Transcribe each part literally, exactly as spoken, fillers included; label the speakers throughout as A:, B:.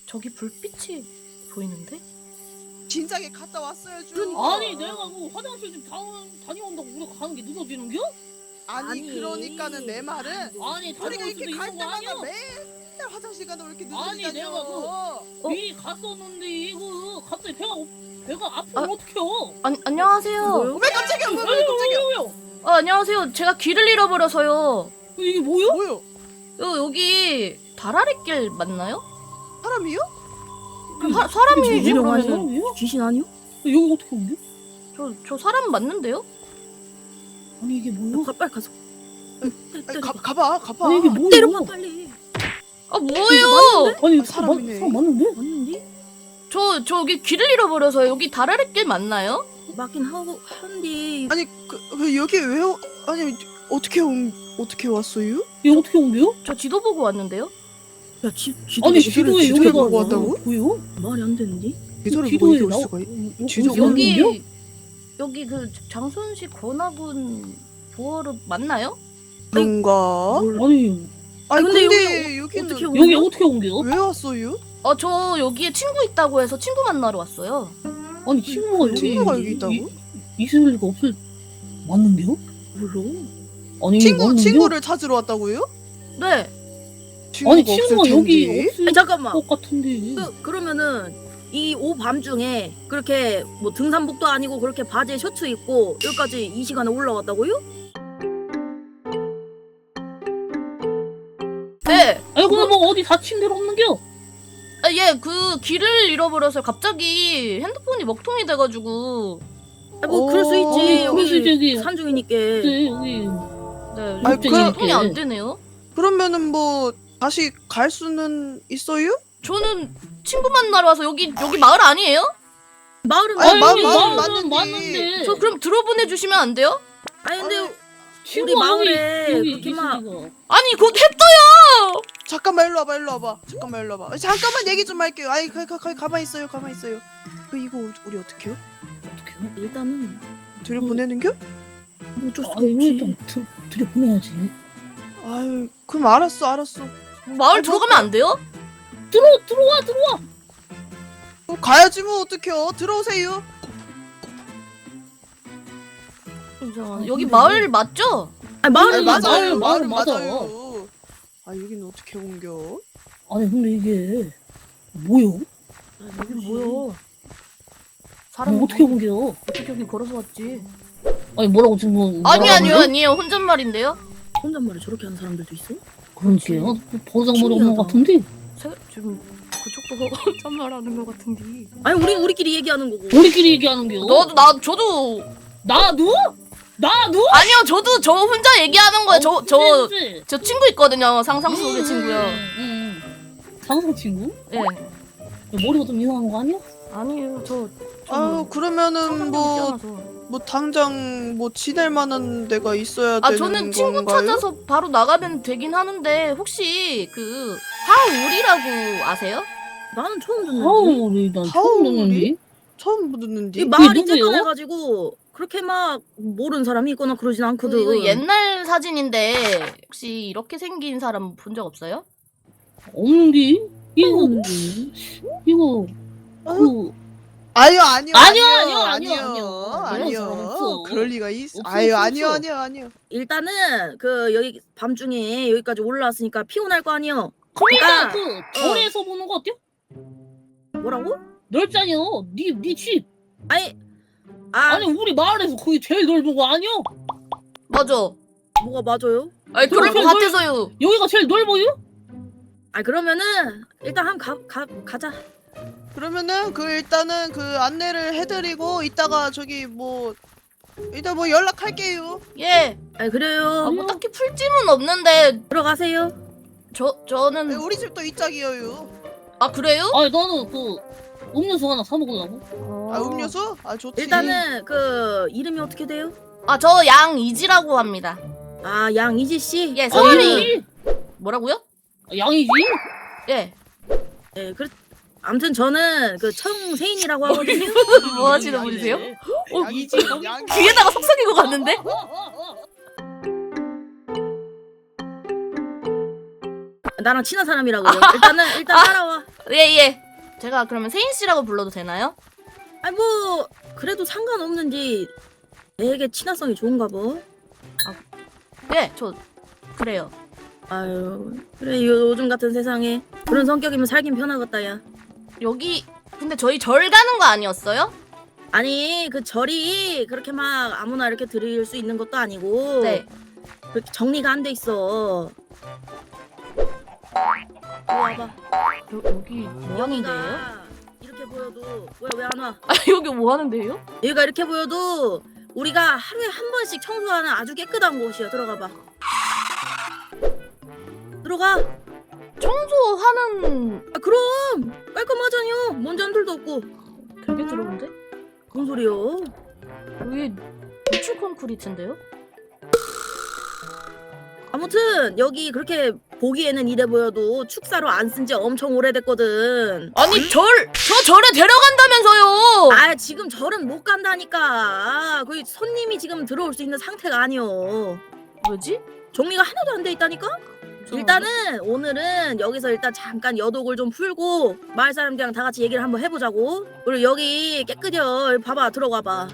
A: 저기 불빛이 보이는데?
B: 진작에 갔다 왔어야죠.
C: 그러니까. 아니 내가 뭐 화장실 좀 다, 다녀온다고 우리가 가는 게 늦어지는겨?
B: 아니,
D: 아니.
B: 그러니까는 내 말은
C: 아니
B: 우리가
C: 다녀올 수도
B: 이렇게 갈
C: 있는 거
B: 때마다
C: 아니야?
B: 맨날 화장실 가다 왜 이렇게
C: 아니,
B: 늦어지냐고.
C: 내가 그-
A: 어?
C: 미리 갔었는데 이거 갑자기 배가 배가 아프면
A: 아.
C: 어떡해요?
A: 안, 안녕하세요.
D: 뭐요?
B: 왜 깜짝이야? 왜, 왜
C: 아유,
B: 깜짝이야?
C: 왜요?
A: 어, 안녕하세요. 제가 길을 잃어버려서요.
C: 이게 뭐요?
B: 뭐요?
A: 여, 여기 다라리길 맞나요?
B: 사람이요?
A: 사, 사람이지
D: 귀신
A: 그러면.
D: 아니에요?
C: 사람이요?
D: 귀신 아니요?
C: 여기 어떻게 온 게?
A: 저, 저 사람 맞는데요?
C: 아니 이게 뭐야?
D: 가, 빨리 가서.
B: 아니, 가, 가봐, 가봐.
C: 아니 이게 뭐야?
D: 때려봐 빨리.
A: 아 뭐예요?
C: 아니
B: 아,
C: 사람
B: 사람이네.
C: 사람 맞는데?
D: 맞는데?
A: 저 저기 길을 잃어버려서요. 여기 다라리길 맞나요?
D: 맞긴 하고 한데.
B: 아니, 그, 왜 여기 왜, 오- 아니, 어떻게 온, 어떻게 왔어요?
C: 이게 어떻게 온 게요?
A: 저 지도 보고 왔는데요.
D: 야 지, 지도
C: 아니
B: 지도를
C: 지도에
B: 지도를
C: 여기가
B: 보고 왔다고?
C: 뭐요?
D: 말이 안 되는데?
B: 지도를 보고
C: 지도에
B: 이렇게 올
C: 나오-
B: 수가 있...
C: 어,
B: 지도가
C: 어디서 오는 거요?
A: 여기 여기 그 장순식 권하군 보어를 맞나요?
B: 그런가?
D: 뭘-
B: 아니,
D: 아니,
B: 아, 근데,
D: 근데
B: 여기, 는
D: 어떻게 온
C: 여기
D: 거요?
C: 어떻게 온 게요?
B: 왜 왔어요?
A: 어 저 여기에 친구 있다고 해서 친구 만나러 왔어요.
C: 아니 친구가 여기
B: 친구가
C: 이-
B: 여기 있다고?
C: 이- 있을 리가 없을 맞는데요?
D: 몰라.
C: 아니
B: 친구,
C: 맞는데요?
B: 친구를 찾으러 왔다고요?
A: 네.
B: 친구가
C: 아니
B: 없을
C: 친구가 여기
B: 텐데.
C: 없을
D: 아니 잠깐만.
C: 것 같은데.
D: 그, 그러면은 이 오밤중에 그렇게 뭐 등산복도 아니고 그렇게 바지에 셔츠 입고 여기까지 이 시간에 올라왔다고요?
A: 네.
C: 아니 근데 뭐 어디 다친 데로 없는겨?
A: 아, 예, 그 길을 잃어버려서 갑자기 핸드폰이 먹통이 돼가지고.
D: 아니 뭐 그럴 수 있지.
B: 어,
C: 그럴 수 있지,
D: 여기
C: 여기.
D: 산중이니까.
C: 네, 여기
A: 네,
B: 아니,
A: 갑자기
B: 그럼-
A: 통이 안 되네요.
B: 그러면은 뭐, 다시 갈 수는 있어요?
A: 저는 친구 만나러 와서 여기 여기 마을 아니에요?
D: 마을은
B: 아니,
D: 아니,
B: 마-
C: 아니,
B: 마-
C: 마을은
B: 맞는데.
C: 맞는데.
A: 저 그럼 들어보내 주시면 안 돼요?
D: 아니 근데
B: 아니,
C: 친구가
D: 마을에
C: 여기, 여기
D: 그렇게 막-
C: 있으니까.
A: 아니 곧 해떠요.
B: 잠깐만 일로 와봐 일로 와봐 잠깐만 일로 와봐 잠깐만 얘기 좀 할게요 아이 가, 가, 가, 가만히 있어요 가만히 있어요 그 이거 우리 어떻게 해요?
C: 어떡해요?
D: 일단은
B: 들여보내는겨?
D: 뭐 어쩔 수가
C: 아니
D: 없지.
C: 일단 들- 들여보내야지.
B: 아유 그럼 알았어 알았어
A: 마을
B: 아,
A: 들어가면 안 돼요?
C: 들어 들어와 들어와.
B: 어, 가야지 뭐 어떡해요 들어오세요
A: 이상하네. 여기 마을 맞죠?
D: 아니 마을은
C: 아니,
D: 맞아.
C: 맞아요.
B: 마을은
C: 맞아.
B: 맞아요 아 여기는 어떻게 옮겨
C: 아니 근데 이게 뭐요?
A: 여기 뭐야?
C: 뭐
A: 사람
C: 어떻게 옮겨?
A: 어떻게 여기 걸어서 왔지?
C: 아니 뭐라고 지금 뭐
A: 아니
C: 뭐라고
A: 아니요
C: 하는데?
A: 아니에요 혼잣말인데요.
D: 혼잣말을 저렇게 하는 사람들도 있어?
C: 그러니까요. 버장머리 없는
D: 신기하다.
C: 것 같은데.
A: 세, 지금 그쪽도 혼잣말하는 것 같은데.
D: 아니 우리 우리끼리 얘기하는 거고.
C: 우리끼리 얘기하는 겨.
A: 너도 나 저도
C: 나도? 나도?
A: 아니요 저도 저 혼자 얘기하는 거예요. 저 저 저
C: 그치?
A: 친구 있거든요. 상상 속의 친구요.
C: 응, 응. 상상 친구?
A: 예.
C: 머리가 좀 이상한 거 아니야?
A: 아니에요 저.
B: 아유 그러면은 뭐,
A: 뭐.
B: 뭐 당장 뭐 지낼 만한 데가 있어야
A: 아
B: 되는
A: 저는 친구
B: 건가요?
A: 찾아서 바로 나가면 되긴 하는데 혹시 그 하울이라고 아세요?
D: 나는 처음 듣는데.
C: 하울이 난 처음
B: 하울이?
C: 듣는데.
B: 처음 듣는데
D: 이 마을이
C: 누구요?
D: 쬐깐해가지고 그렇게 막 모르는 사람이 있거나 그러진
A: 그
D: 않거든.
A: 이거 옛날 사진인데 혹시 이렇게 생긴 사람 본 적 없어요?
C: 없는데? 이거
D: 없는데.
C: 이거
B: 어?
C: 그
B: 아니요 아니요
C: 아니요,
B: 아니요
C: 아니요,
B: 아니요
C: 아니요.
B: 아니요
C: 그런 사람 없어.
B: 그럴 리가 있어
C: 없어,
B: 아유
C: 없어,
B: 아니요
C: 없어.
B: 아니요 아니요
D: 일단은 그 여기 밤중에 여기까지 올라왔으니까 피곤할 거 아니여.
C: 그러니까
D: 아,
C: 그 절에서 보는 거 어때요?
D: 뭐라고?
C: 넓잖여. 니니 집.
D: 아니 아
C: 아니 우리 마을에서 거기 제일 넓은 거 아니야?
A: 맞아.
D: 뭐가 맞아요?
A: 아니 그럴 것
C: 그럼
A: 같아서요.
C: 여기가 제일 넓어요?
D: 아 그러면은 일단 한 가 가 가자.
B: 그러면은 그 일단은 그 안내를 해드리고 이따가 저기 뭐 일단 뭐 연락할게요.
A: 예.
D: 아 그래요.
A: 아, 뭐 딱히 풀찜은 없는데
D: 들어가세요.
A: 저
B: 네,
A: 저는
B: 우리 집도 이짝이에요.
A: 아 그래요?
C: 아니 나는 그 음료수 하나 사 먹으려고.
B: 아 음료수? 아 좋지.
D: 일단은 그 이름이 어떻게 돼요?
A: 아저 양이지라고 합니다.
D: 아 양이지 씨.
A: 예
C: 아,
A: 성함이 뭐라고요?
C: 아, 양이지?
A: 예.
D: 네, 그 아무튼 저는 그 청세인이라고 하거든요.
A: 뭐 하시는 분이세요? 어,
B: 양이지 양.
A: 귀에다가 속삭이고 갔는데?
D: 나랑 친한 사람이라고요. 일단은 일단 따라와.
A: 예, 예. 제가 그러면 세인 씨라고 불러도 되나요?
D: 아니 뭐 그래도 상관없는지 내게 친화성이 좋은가 봐.
A: 네, 저 그래요.
D: 아유 그래 요즘 같은 세상에 그런 성격이면 살긴 편하겠다 야.
A: 여기 근데 저희 절 가는 거 아니었어요?
D: 아니 그 절이 그렇게 막 아무나 이렇게 드릴 수 있는 것도 아니고
A: 네.
D: 그렇게 정리가 안 돼 있어. 이리 와봐.
A: 여, 여기 뭐 하는데요?
D: 여기가 이렇게 보여도 뭐야 왜 안 와?
A: 아, 여기 뭐 하는데요?
D: 여기가 이렇게 보여도 우리가 하루에 한 번씩 청소하는 아주 깨끗한 곳이야. 들어가 봐. 들어가.
A: 청소하는
D: 아 그럼 깔끔하잖여. 먼지 한 톨도 없고.
A: 되게 들어온데?
D: 뭔 소리요?
A: 여기 노출 콘크리트인데요?
D: 아무튼 여기 그렇게 보기에는 이래 보여도 축사로 안 쓴 지 엄청 오래됐거든.
A: 아니 절! 저 절에 데려간다면서요!
D: 아 지금 절은 못 간다니까. 거기 손님이 지금 들어올 수 있는 상태가 아니여.
A: 뭐지?
D: 정리가 하나도 안 돼 있다니까? 일단은 오늘은 여기서 일단 잠깐 여독을 좀 풀고 마을 사람들이랑 다 같이 얘기를 한번 해보자고. 그리고 여기 깨끗여. 여기 봐봐. 들어가 봐.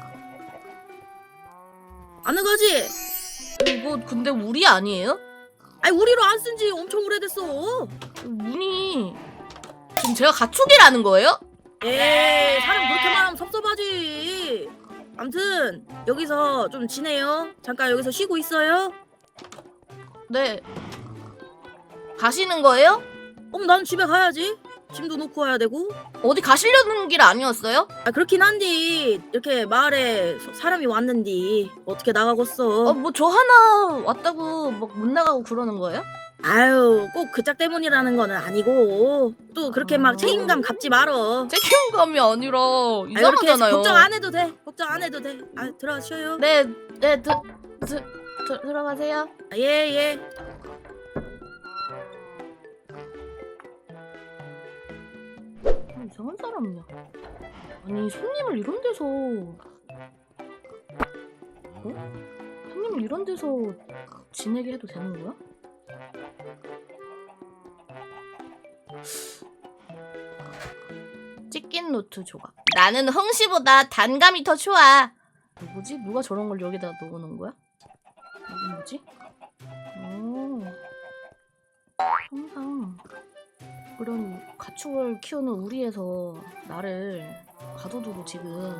D: 안 나가지?
A: 이거 근데 우리 아니에요?
D: 아니 우리로 안 쓴 지 엄청 오래됐어.
A: 문이 지금 제가 가축이라는 거예요?
D: 에이 사람 그렇게 말하면 섭섭하지. 암튼 여기서 좀 지내요. 잠깐 여기서 쉬고 있어요.
A: 네. 가시는 거예요?
D: 어머 난 집에 가야지. 짐도 놓고 와야 되고.
A: 어디 가시려는 길 아니었어요?
D: 아 그렇긴 한디 이렇게 마을에 소- 사람이 왔는디 어떻게 나가겠어.
A: 아, 뭐 저 하나 왔다고 막 못 나가고 그러는 거예요?
D: 아유 꼭 그 짝 때문이라는 거는 아니고 또 그렇게 막 책임감 갖지 말어.
A: 책임감이 아니라
D: 아, 이렇게
A: 이상하잖아요.
D: 걱정 안 해도 돼. 걱정 안 해도 돼. 아 들어가 쉬어요.
A: 네, 네, 드, 드, 드, 들어가세요.
D: 아, 예 예.
A: 아, 이상한 사람이야. 아니 손님을 이런 데서 어? 손님을 이런 데서 지내게 해도 되는 거야? 찍긴 노트 조각. 나는 흥시보다 단감이 더 좋아. 뭐지? 누가 저런 걸 여기다 넣어놓은 거야? 이게 뭐지? 오. 항상 그런 가축을 키우는 우리에서 나를 가둬두고 지금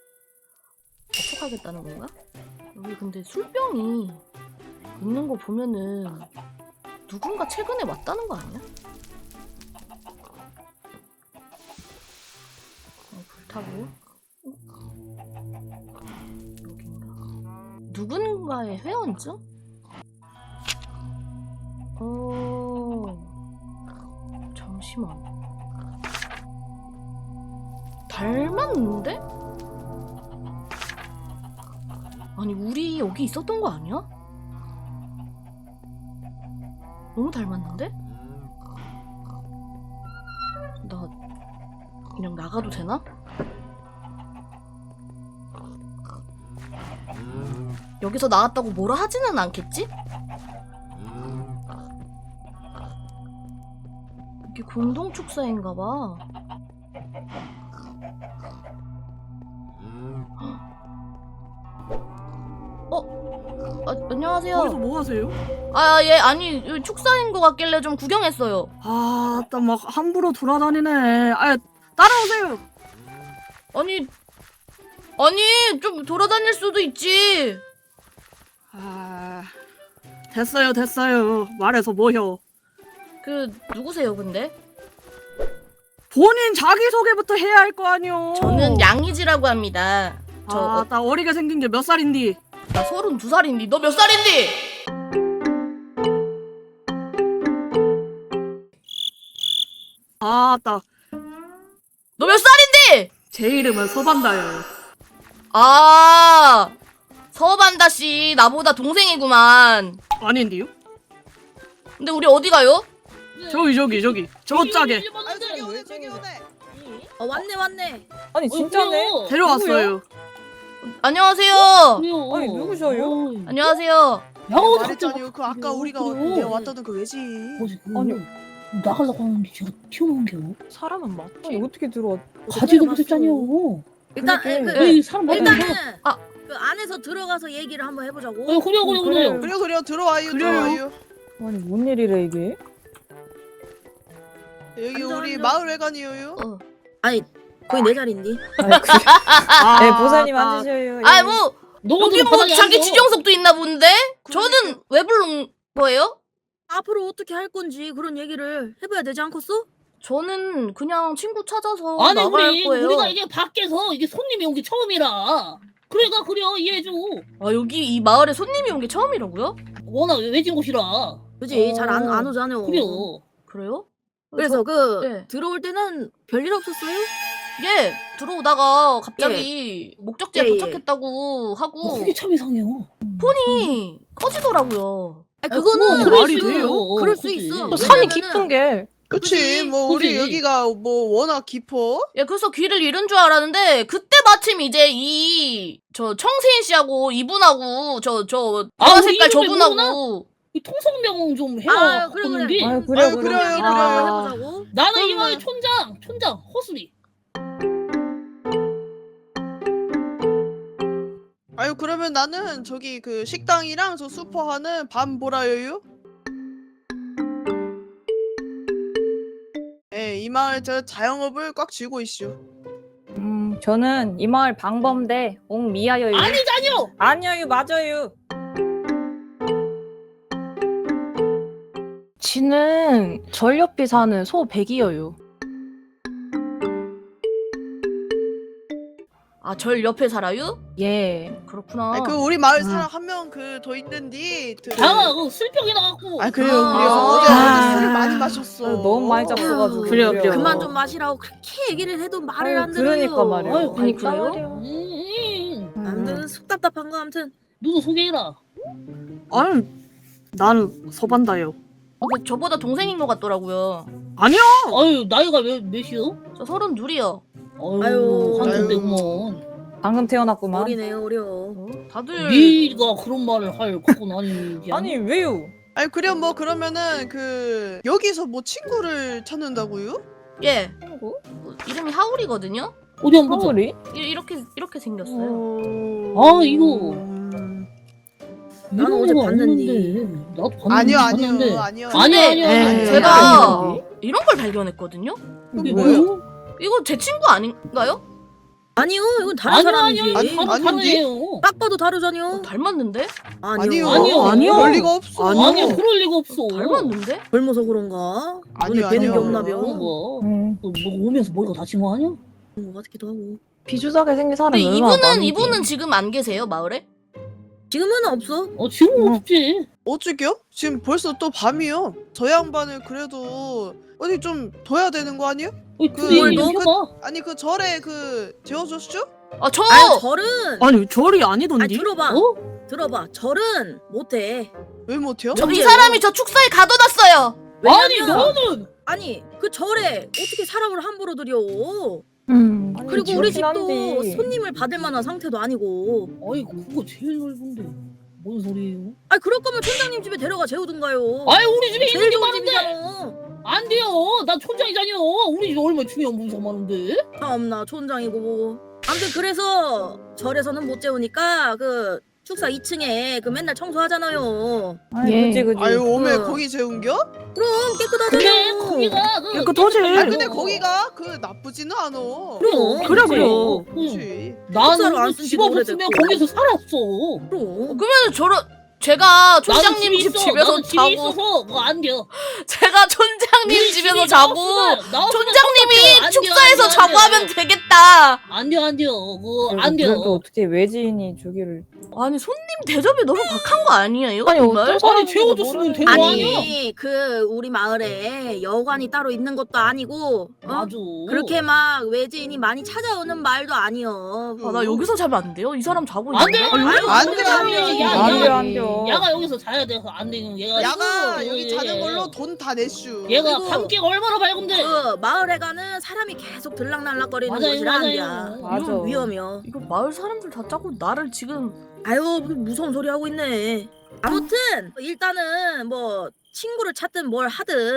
A: 접촉하겠다는 건가? 여기 근데 술병이 있는 거 보면은 누군가 최근에 왔다는 거 아니야? 어, 불타고 여긴가? 누군가의 회원증? 어... 잠시만. 닮았는데? 아니 우리 여기 있었던 거 아니야? 너무 닮았는데? 나 그냥 나가도 되나? 여기서 나왔다고 뭐라 하지는 않겠지? 이게 공동 축사인가봐. 어? 아, 안녕하세요.
E: 거기서 뭐 하세요?
A: 아, 예, 아니, 여기 축사인 것 같길래 좀 구경했어요.
E: 아, 딱 막 함부로 돌아다니네. 아, 따라오세요.
A: 아니, 아니, 좀 돌아다닐 수도 있지.
E: 아, 됐어요, 됐어요. 말해서 뭐요?
A: 그, 누구세요, 근데?
E: 본인 자기소개부터 해야 할 거 아니요.
A: 저는 양이지라고 합니다. 저,
E: 아,
A: 어,
E: 나 어리게 생긴 게 몇 살인디?
A: 나 서른두 살인데, 너 몇 살인데?
E: 아, 딱
A: 너 몇 살인데?
E: 제 이름은 서반다요.
A: 아, 서반다 씨, 나보다 동생이구만.
E: 아닌데요?
A: 근데 우리 어디 가요?
E: 저기 저기 저기 저 짝에
B: 아 저기 오네 저기 오네.
D: 어 왔네 왔네.
C: 아니 진짜네.
E: 데려왔어요.
A: 안녕하세요.
C: 왜요?
F: 아니, 누구셔요?
A: 안녕하세요.
C: 양호
B: 말했잖아요. 그 아까 우리가
C: 그래요.
B: 내가 왔다던 그 외지.
C: 아니 나가려고 하는데 제가 튀어나온 게요.
B: 사람은 맞지?
F: 아니 어떻게 들어와?
C: 가지도
D: 봤어.
C: 못했잖아요.
D: 일단
F: 그러게.
D: 그,
C: 왜 사람 많이
D: 일단은
A: 아.
D: 그 안에서 들어가서 얘기를 한번 해보자고.
C: 어, 그래요, 그래요, 그래요.
B: 그래 그래 들어와요
E: 그래요.
B: 들어와요.
F: 아니 뭔 일이래 이게?
B: 여기
D: 앉아,
B: 우리
D: 앉아.
B: 마을 회관이에요.
A: 어.
D: 아니 거의 내 자리인데.
F: 아니 그,
E: 아,
F: 네 보사님
E: 아,
F: 앉으셔요.
A: 아이 뭐
C: 너도
A: 여기 뭐 자기 지정석도 있나 본데? 저는 왜 부른 거예요?
D: 앞으로 어떻게 할 건지 그런 얘기를 해봐야 되지 않겠어?
A: 저는 그냥 친구 찾아서
C: 아니
A: 나갈
C: 우리
A: 거예요.
C: 우리가 이게 밖에서 이게 손님이 온 게 처음이라. 그러니까 그래요 이해해줘.
A: 아 여기 이 마을에 손님이 온 게 처음이라고요?
C: 워낙 외진 곳이라.
D: 그지?
A: 어.
D: 잘 안 안 오잖아요.
C: 그래요.
A: 그래요?
D: 그래서 그
A: 네.
D: 들어올 때는 별일 없었어요?
A: 예 들어오다가 갑자기 목적지에
D: 예, 예.
A: 도착했다고
C: 어,
A: 하고
C: 그게 참 이상해요.
A: 폰이 꺼지더라고요.
D: 아니,
C: 아,
D: 그거는
C: 그거
E: 말이
C: 그럴 수
E: 돼요?
C: 있어.
D: 그럴 수
C: 그치.
D: 있어.
E: 또 산이
D: 왜냐면은-
E: 깊은 게
B: 그치
A: 그치?
B: 뭐 우리
C: 그치.
B: 여기가 뭐 워낙 깊어.
A: 예 그래서 귀를 잃은 줄 알았는데 그때 마침 이제 이 저 청세인 씨하고 이분하고 저저
C: 아,
A: 보라
C: 우리
A: 색깔
C: 이름을
A: 저분하고
C: 이 통성명 좀 해야
D: 아, 그래, 그래.
C: 하는데
F: 아유 그래
B: 아유,
F: 그래.
B: 그래요,
D: 얘기를
B: 그래요.
D: 한번 해보자고.
C: 나는
B: 그러면-
C: 이마의 촌장 촌장 허수리.
B: 아유 그러면 나는 저기 그 식당이랑 저 슈퍼 하는 밤 보라요요. 예, 이 마을 저 자영업을 꽉 쥐고 있슈.
F: 음 저는 이 마을 방범대 옥미아여유.
C: 아니잖요.
F: 아니요 맞아요.
E: 지는 절 옆에 사는 소 백이여요.
A: 아 절 옆에 살아요?
E: 예.
A: 그렇구나.
B: 아니, 그 우리 마을
E: 음.
B: 사람 한 명 그 더 있는데. 그...
C: 장아 그 술병이 나갖고.
B: 아 그래요
A: 아.
B: 그래요. 어제
E: 아.
B: 어제 술을 많이 마셨어.
F: 아유, 너무 많이 잡숴가지고.
E: 그래요, 그래요.
D: 그만 좀 마시라고 그렇게 얘기를 해도 말을
F: 아유,
D: 안 들어요.
F: 그러니까 말이에요.
C: 아유,
A: 아니,
F: 그러니까
A: 그래요?
F: 말이에요.
C: 음, 음.
D: 아무튼 속 답답한 거 아무튼.
C: 누구 소개해라.
E: 아니 나는 서반다요.
A: 근데 저보다 동생인 것 같더라고요.
E: 아니요.
C: 아유 나이가 몇 몇이요?
A: 저 서른 둘이요.
C: 아유,
D: 아유.
C: 한참 때구먼.
F: 방금 태어났구만.
D: 어리네요 어려.
A: 어? 다들
C: 네가 그런 말을 할 그건 아니지.
F: 아니 왜요?
B: 아니 그래요 뭐 그러면은 그 여기서 뭐 친구를 찾는다고요?
A: 예
F: 친구?
A: 뭐, 이름이 하울이거든요.
C: 어디 한번 보자.
F: 하울이?
A: 이, 이렇게 이렇게 생겼어요.
C: 아, 이거.
B: 음.
D: 나는 어제 봤는데.
C: 나도 봤는데.
B: 아니요
C: 봤는데.
B: 아니요 아니요.
C: 아니요 아니요.
E: 에,
C: 아니요.
A: 제가
E: 아니요.
A: 이런 걸 발견했거든요.
C: 이게
B: 뭐예요?
C: 뭐예요?
A: 이거 제 친구 아닌가요?
D: 아니요 이건 다른
C: 아니요
D: 사람이지.
C: 아니요.
B: 아니,
C: 다른
B: 아닌데?
C: 사람이에요.
D: 딱 봐도 다르잖요.
A: 어, 닮았는데?
B: 아니요
C: 아니요.
E: 아니요.
B: 그럴 리가 없어.
E: 아니요.
C: 아니요 그럴 리가 없어.
A: 닮았는데?
D: 젊어서 그런가?
B: 아니요,
D: 눈에 뵈는 게
B: 아니요.
D: 없나
C: 그런
D: 벼.
C: 거.
F: 음.
C: 너, 너 오면서 머리가 다친 거 아니야?
D: 그런 거 같기도 하고.
F: 비주사하게 생긴 사람이
A: 근데
F: 얼마나
A: 이분은
F: 많은지.
A: 이분은 지금 안 계세요 마을에?
D: 지금은 없어.
C: 어 지금
F: 음.
C: 없지.
B: 어쩌게요? 지금 벌써 또 밤이요. 저 양반을 그래도 어디 좀 둬야 되는 거 아니에요?
C: 어,
B: 그
C: 둘이
D: 뭘
C: 좀
B: 너-
C: 해봐.
B: 아니 그 절에 그 재워줬죠?
A: 아 저!
D: 아니 절은
E: 아니 절이
D: 아니
E: 아니던디.
D: 들어봐.
C: 어?
D: 들어봐. 절은 못해.
B: 왜 못해요?
A: 저, 이
D: 저기요.
A: 사람이 저 축사에 가둬놨어요.
C: 아니
D: 왜냐면
C: 너는
D: 아니 그 절에 어떻게 사람을 함부로 들여?
E: 음.
F: 아니,
D: 그리고 우리
F: 그렇긴
D: 집도
F: 한데.
D: 손님을 받을 만한 상태도 아니고.
C: 아이 그거 제일 넓은데 뭔 소리예요?
D: 아니 그럴 거면 촌장님 집에 데려가 재우든가요.
C: 아이 우리 집에 있는
D: 제일
C: 게
D: 좋은
C: 많은데
D: 집이잖아.
C: 안 돼요. 나 촌장이잖여. 우리 집 얼마나 중요한 분이 많은데.
D: 참나 촌장이고 뭐고. 아무튼 그래서 절에서는 못 재우니까 그 축사 이 층에 그 맨날 청소하잖아요.
F: 아니,
E: 예.
F: 그치 그치.
B: 아유 오메
D: 응.
B: 거기 재운겨?
D: 그럼 깨끗하잖아요.
C: 근데 거기가 그
E: 깨끗하지.
B: 아 근데
C: 어.
B: 거기가 그 나쁘지는 않아.
D: 그럼.
E: 그래,
C: 그치.
E: 그래.
C: 응.
B: 그치.
D: 숙사로 안
C: 나는
D: 쓴
C: 집
D: 지도
C: 없었으면
D: 오래됐고.
C: 거기서 살았어.
D: 그럼.
A: 그러면 저런 제가
C: 나는
A: 촌장님
C: 집이
A: 집
C: 있어.
A: 집에서
C: 나는 집이
A: 자고
C: 있어서 그거 안 돼.
A: 제가 촌장님 집에서 자고 촌장님이 축사에서 자고 하면 되겠다.
C: 안 돼, 안 돼요. 그거
F: 그리고
C: 안 돼요.
F: 그건 또 어떻게 외지인이 저기를.
A: 아니 손님 대접이 너무 박한 거 아니에요?
E: 아니,
A: 정말?
E: 어떤
C: 아니 재워줬으면 되는 거 아니야?
D: 아니 그 우리 마을에 여관이 따로 있는 것도 아니고 어?
C: 맞아.
D: 그렇게 막 외지인이 많이 찾아오는 마을도 아니여.
A: 아, 나 여기서 자면 안 돼요? 이 사람 자고
C: 안
A: 있는데?
C: 돼요.
D: 아유,
B: 안
D: 안
B: 돼,
D: 돼,
B: 안
D: 안
B: 돼.
D: 돼.
C: 야,
F: 안
C: 야,
F: 돼요 안 돼요.
C: 야가 여기서 자야 돼서 안 되는 얘가.
B: 야가
C: 있어.
B: 여기
C: 예,
B: 자는
C: 예.
B: 걸로 돈 다 내슈.
C: 얘가
D: 그리고-
C: 밤길 얼마나 밝은데.
D: 그 마을에 가는 사람이 계속 들락날락거리는
C: 맞아요,
D: 곳이라 안 돼.
C: 맞아요.
F: 맞아.
D: 이건 위험이야.
A: 이거 마을 사람들 다 짜고 나를 지금
D: 아유 무슨 무서운 소리 하고 있네. 아무튼 일단은 뭐 친구를 찾든 뭘 하든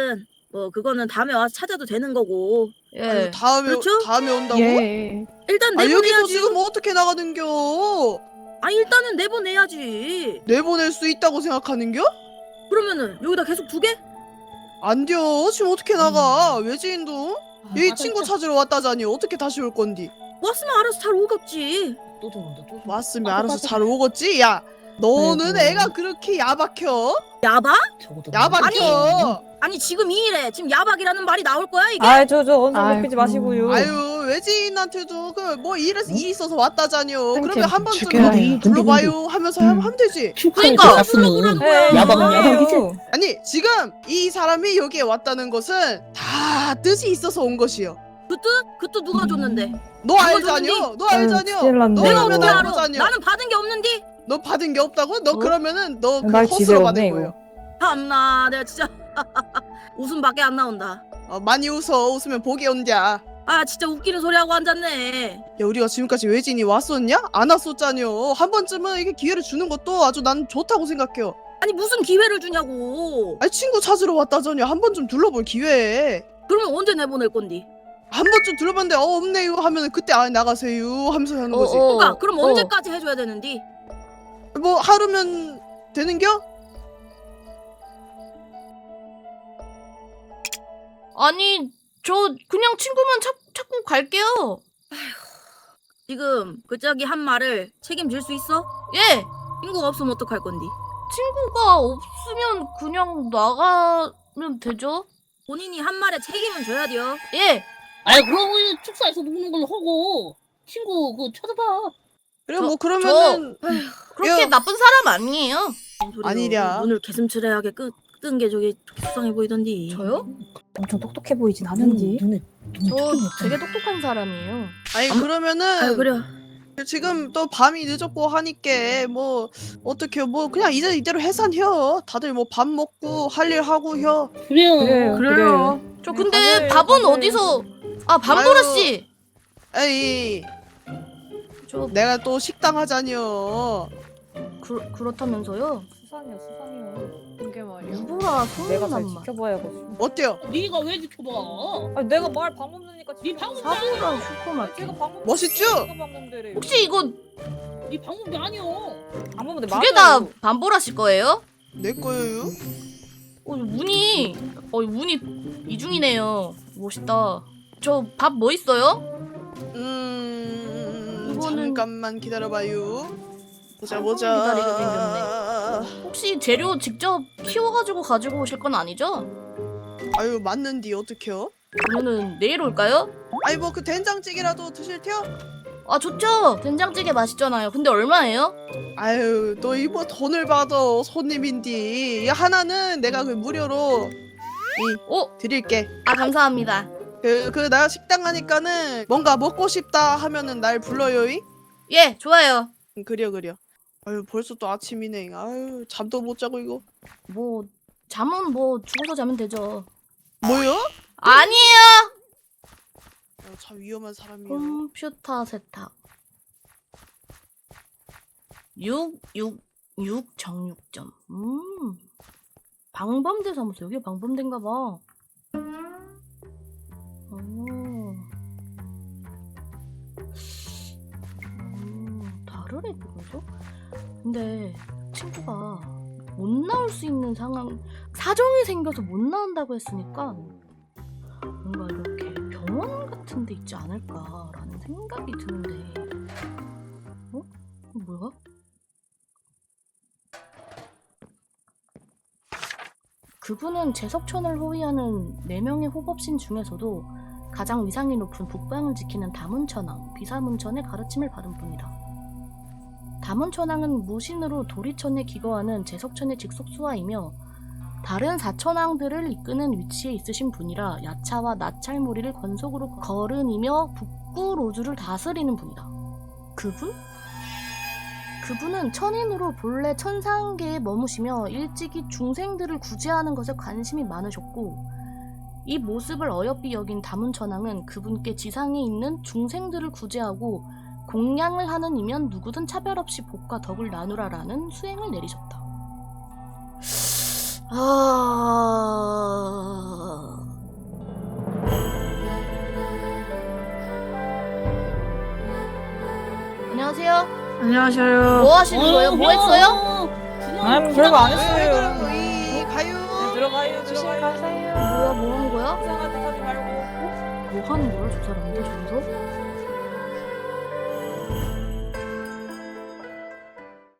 D: 뭐 그거는 다음에 와서 찾아도 되는 거고.
A: 예.
B: 아유, 다음에
D: 그렇죠?
B: 다음에 온다고?
F: 예.
D: 일단
B: 아 여기서
D: 내보내야지.
B: 지금 어떻게 나가는겨?
D: 아 일단은 내보내야지.
B: 내보낼 수 있다고 생각하는겨?
D: 그러면은 여기다 계속 두게?
B: 안 돼요. 지금 어떻게 나가? 외지인도
C: 아,
B: 여기
C: 맞아,
B: 친구
C: 진짜.
B: 찾으러 왔다자니 어떻게 다시 올 건디?
D: 왔으면 알아서 잘 오겠지.
C: 또 저런다 또 저런다.
B: 왔으면
C: 아,
B: 알아서
C: 맞아.
B: 잘 오겠지. 야, 너는
C: 아이고.
B: 애가 그렇게 야박혀?
D: 야박?
C: 저거도
B: 야박혀.
D: 아니 지금 이 일에 지금 야박이라는 말이 나올 거야 이게?
F: 아, 저, 저, 언성
E: 아이고.
F: 높이지 마시고요.
B: 아유 외지인한테도 그 뭐 일에서 일 있어서 왔다자니요.
E: 땡큐.
B: 그러면 한 번쯤
E: 축하해요.
B: 불러봐요 하면서 하면 하면 되지.
C: 축하해
A: 그러니까.
C: 갔으면
F: 네,
C: 야박은 야박이지.
B: 아니 지금 이 사람이 여기에 왔다는 것은 다 뜻이 있어서 온 것이요.
D: 그 뜻? 그 뜻 누가 줬는데?
B: 너
D: 그거
B: 알자뇨? 너
F: 아유,
B: 알자뇨?
F: 큰일 났네.
B: 너
D: 내가
B: 그러면
D: 어떻게 알아?
B: 알자뇨?
D: 나는 받은 게 없는디?
B: 너 받은 게 없다고? 너
A: 어?
B: 그러면은 너 그
F: 날
B: 허스로
F: 지새롭네,
B: 받은
F: 이거.
B: 거예요.
D: 참나 내가 진짜 웃음밖에 안 나온다.
B: 어, 많이 웃어. 웃으면 복이 온디야.
D: 아 진짜 웃기는 소리 하고 앉았네.
B: 야 우리가 지금까지 외지인이 왔었냐? 안 왔었잖여. 한 번쯤은 이게 기회를 주는 것도 아주 난 좋다고 생각해요.
D: 아니 무슨 기회를 주냐고.
B: 아니 친구 찾으러 왔다잖여. 한 번쯤 둘러볼 기회.
D: 그러면 언제 내보낼 건디?
B: 한 번쯤 둘러봤는데 어 없네요 하면은 그때 아 나가세요 하면서 하는 거지.
A: 어, 어.
D: 그러니까 그럼
A: 어.
D: 언제까지 해줘야 되는디?
B: 뭐 하루면 되는겨?
A: 아니 저 그냥 친구만 찾, 찾고 갈게요.
D: 지금 그 짝이 한 말을 책임질 수 있어?
A: 예.
D: 친구가 없으면 어떡할 건디?
A: 친구가 없으면 그냥 나가면 되죠.
D: 본인이 한 말에 책임은 져야 돼요.
A: 예.
C: 아이 그럼 우리 축사에서 노는 걸로 하고 친구 그 찾아봐.
B: 그래
A: 저-
B: 뭐 그러면은
A: 그렇게
B: 야.
A: 나쁜 사람 아니에요.
D: 뭔 소리요?
B: 아니랴.
D: 눈을 개슴츠레하게 끄뜬 게 저기 수상해 보이던디.
A: 저요?
F: 엄청 똑똑해 보이진 않은지.
C: 눈에
A: 저 되게 똑똑한 사람이에요.
B: 아니 그러면은
D: 아유 그래.
B: 지금 또 밤이 늦었고 하니까 뭐 어떻게 뭐 그냥 이제 이대로 해산혀. 다들 뭐 밥 먹고 할 일 하고 혀.
C: 그래요.
F: 그래요.
E: 그래요.
A: 저
F: 네,
A: 근데
F: 가세요,
A: 밥은
F: 가세요.
A: 어디서? 아 밤보라
B: 아유.
A: 씨.
B: 에이
A: 저
B: 내가 또 식당 하자니요.
A: 그, 그렇다면서요?
F: 수상이요, 수상이요.
E: 이게 말이야.
A: 누구라
F: 내가 잘
A: 소문난 말.
F: 지켜봐야겠어.
B: 어때요?
C: 네가 왜 지켜봐?
F: 아니, 내가 말 방법되니까
C: 네 방법이
A: 사고랑
C: 아니야.
A: 슈퍼마켓.
F: 제가 방법.
B: 멋있죠?
F: 제가 방법대로.
A: 혹시 이거
C: 네 방법이 아니오.
F: 방법대
A: 두 개 다 밤보라 씨 거예요?
B: 내 거예요.
A: 어 문이 어 문이 이중이네요. 멋있다. 저 밥 뭐 있어요?
B: 음
A: 이거는-
B: 잠깐만 기다려봐요. 보자
A: 아이고,
B: 보자.
A: 기다리게 혹시 재료 직접 키워가지고 가지고 오실 건 아니죠?
B: 아유 맞는디 어떡해요?
A: 그러면은 내일 올까요?
B: 아니 뭐 그 된장찌개라도 드실 테요?
A: 아 좋죠. 된장찌개 맛있잖아요. 근데 얼마예요?
B: 아유 너 이거 돈을 받아 손님인디. 이 하나는 내가 그 무료로
A: 어?
B: 드릴게.
A: 아 감사합니다.
B: 그 그 나 식당 하니까는 뭔가 먹고 싶다 하면은 날 불러요이.
A: 예 좋아요.
B: 응, 그려 그려. 아유 벌써 또 아침이네. 아유 잠도 못 자고 이거.
A: 뭐 잠은 뭐 죽어서 자면 되죠.
B: 뭐요?
A: 아니에요.
B: 어, 참 위험한 사람이에요.
A: 컴퓨터 세탁. 육, 육, 육 정육점. 음. 방범대 사무소. 여기 방범대인가 봐. 오. 음, 다르네 그거죠? 근데 친구가 못 나올 수 있는 상황 사정이 생겨서 못 나온다고 했으니까 뭔가 이렇게 병원 같은 데 있지 않을까라는 생각이 드는데 어? 이거 뭐야? 그분은 제석천을 호위하는 네 명의 호법신 중에서도 가장 위상이 높은 북방을 지키는 다문천왕, 비사문천의 가르침을 받은 분이다. 다문천왕은 무신으로 도리천에 기거하는 제석천의 직속수하이며 다른 사천왕들을 이끄는 위치에 있으신 분이라 야차와 나찰무리를 권속으로 거른이며 북구로주를 다스리는 분이다. 그분? 그분은 천인으로 본래 천상계에 머무시며 일찍이 중생들을 구제하는 것에 관심이 많으셨고 이 모습을 어여삐 여긴 다문천왕은 그분께 지상에 있는 중생들을 구제하고 공양을 하는 이면 누구든 차별 없이 복과 덕을 나누라라는 수행을 내리셨다. 아... 안녕하세요.
E: 안녕하세요.
A: 뭐 하시는 거예요? 뭐 했어요?
F: 아, 별거 안
B: 왜
F: 했어요.
B: 그러고 이 가요.
F: 네, 들어가요, 들어가요.
A: 뭐야 뭐 하는 거야?
F: 이상한 짓 하지 말고.
A: 뭐 하는 거야 저 사람들 저기서?